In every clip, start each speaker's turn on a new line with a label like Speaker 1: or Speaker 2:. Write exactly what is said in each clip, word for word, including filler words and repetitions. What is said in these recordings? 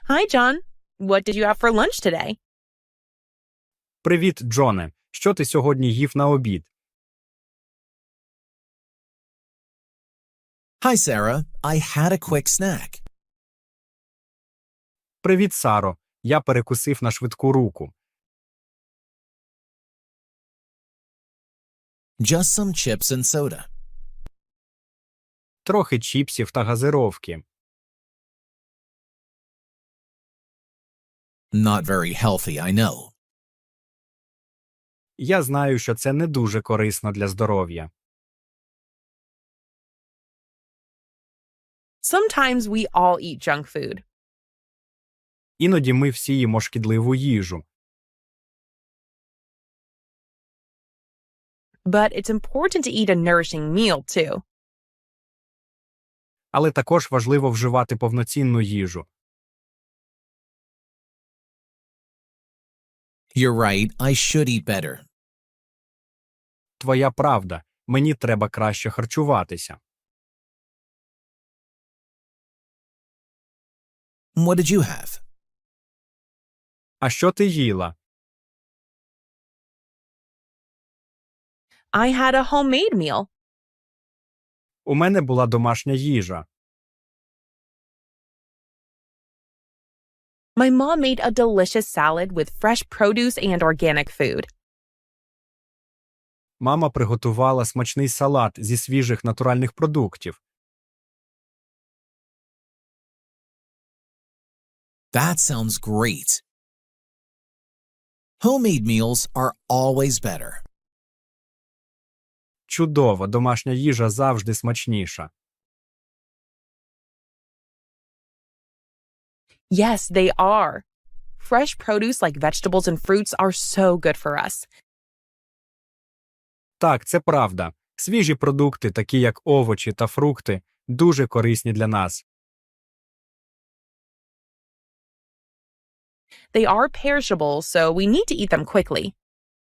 Speaker 1: Hi, John. What did you have for lunch today?
Speaker 2: Привіт, Джоне. Що ти сьогодні їв на обід?
Speaker 3: Hi, Sarah. I had a quick snack.
Speaker 2: Привіт, Саро. Я перекусив на швидку руку.
Speaker 3: Just some chips and soda.
Speaker 2: Трохи чіпсів та газировки.
Speaker 3: Not very healthy, I know.
Speaker 2: Я знаю, що це не дуже корисно для здоров'я.
Speaker 1: Sometimes we all eat junk food.
Speaker 2: Іноді ми всі їмо шкідливу їжу.
Speaker 1: But it's important to eat a nourishing meal, too.
Speaker 2: Але також важливо вживати повноцінну їжу.
Speaker 3: You're right, I should eat better.
Speaker 2: Твоя правда. Мені треба краще харчуватися.
Speaker 3: What did you have?
Speaker 2: А що ти їла?
Speaker 1: I had a homemade meal.
Speaker 2: У мене була домашня їжа.
Speaker 1: My mom made a delicious salad with fresh produce and organic food.
Speaker 2: Мама приготувала смачний салат зі свіжих натуральних продуктів.
Speaker 3: That sounds great. Homemade meals are always better.
Speaker 2: Чудово, домашня їжа завжди смачніша.
Speaker 1: Yes, they are. Fresh produce like vegetables and fruits are so good for us.
Speaker 2: Так, це правда. Свіжі продукти, такі як овочі та фрукти, дуже корисні для нас.
Speaker 1: They are perishable, so we need to eat them quickly.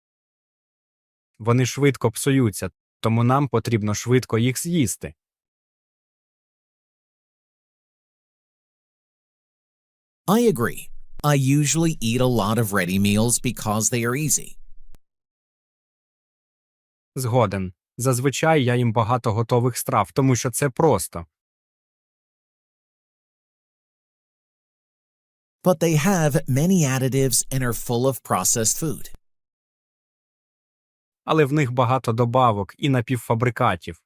Speaker 2: Вони швидко псуються, тому нам потрібно швидко їх з'їсти.
Speaker 3: I agree. I usually eat a lot of ready meals because they are easy.
Speaker 2: Згоден. Зазвичай я їм багато готових страв, тому що це просто.
Speaker 3: But they have many additives and are full of processed food.
Speaker 2: Але в них багато добавок і напівфабрикатів.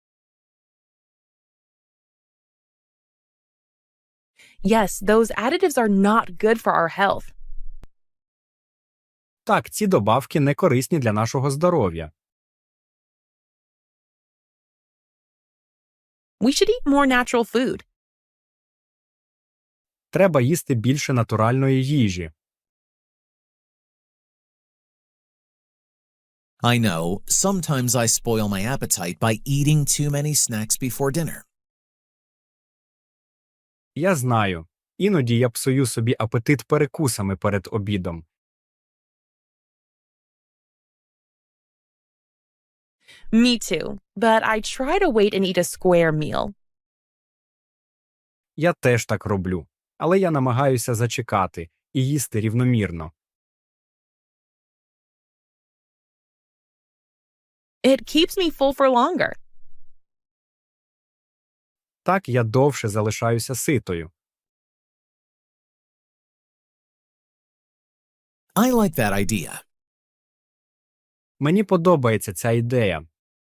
Speaker 1: Yes, those additives are not good for our health.
Speaker 2: Так, ці добавки не корисні для нашого здоров'я.
Speaker 1: We should eat more natural food.
Speaker 2: Треба їсти більше натуральної їжі.
Speaker 3: I know, sometimes I spoil my appetite by eating too many snacks before dinner.
Speaker 2: Я знаю. Іноді я псую собі апетит перекусами перед обідом.
Speaker 1: Me too, but I try to wait and eat a square meal.
Speaker 2: Я теж так роблю. Але я намагаюся зачекати і їсти рівномірно.
Speaker 1: It keeps me full for longer.
Speaker 2: Так я довше залишаюся ситою.
Speaker 3: I like that idea.
Speaker 2: Мені подобається ця ідея.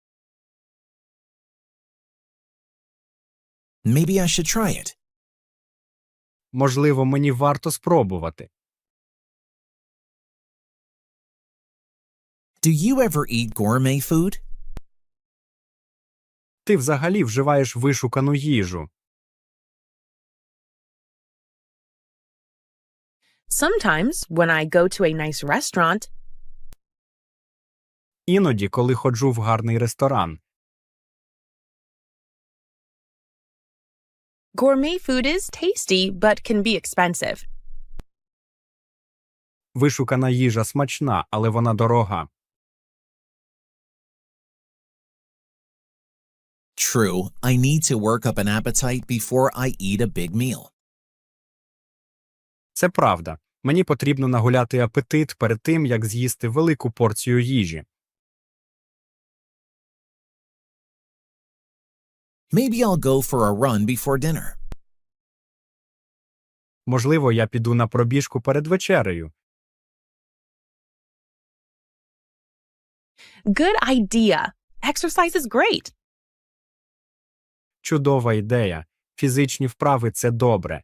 Speaker 3: Maybe I should try it.
Speaker 2: Можливо, мені варто спробувати.
Speaker 3: Do you ever eat gourmet food?
Speaker 2: Ти взагалі вживаєш вишукану їжу.
Speaker 1: Sometimes, when I go to a nice restaurant,
Speaker 2: Іноді, коли ходжу в гарний ресторан.
Speaker 1: gourmet food is tasty but can be expensive.
Speaker 2: Вишукана їжа смачна, але вона дорога.
Speaker 3: True, I need to work up an appetite before I eat a big meal.
Speaker 2: Це правда. Мені потрібно нагуляти апетит перед тим, як з'їсти велику порцію їжі.
Speaker 3: Maybe I'll go for a run before dinner.
Speaker 2: Можливо, я піду на пробіжку перед вечерею.
Speaker 1: Good idea. Exercise is great.
Speaker 2: Чудова ідея. Фізичні вправи – це добре.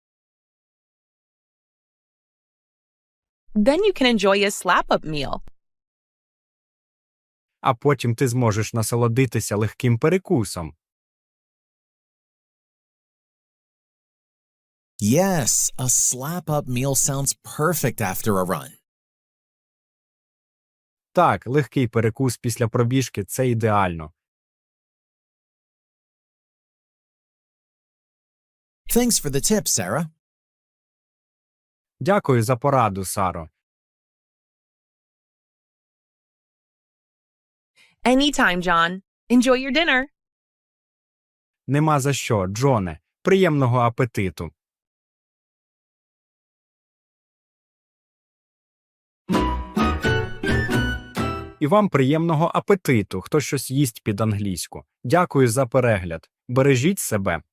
Speaker 1: Then you can enjoy a slap-up meal.
Speaker 2: А потім ти зможеш насолодитися легким перекусом.
Speaker 3: Yes, a slap-up meal sounds perfect after a run.
Speaker 2: Так, легкий перекус після пробіжки – це ідеально.
Speaker 3: Thanks for the tip, Sarah.
Speaker 2: Дякую за пораду, Саро.
Speaker 1: Anytime, John. Enjoy your dinner.
Speaker 2: Нема за що, Джоне. Приємного апетиту. І вам приємного апетиту, хто щось їсть під англійську. Дякую за перегляд. Бережіть себе.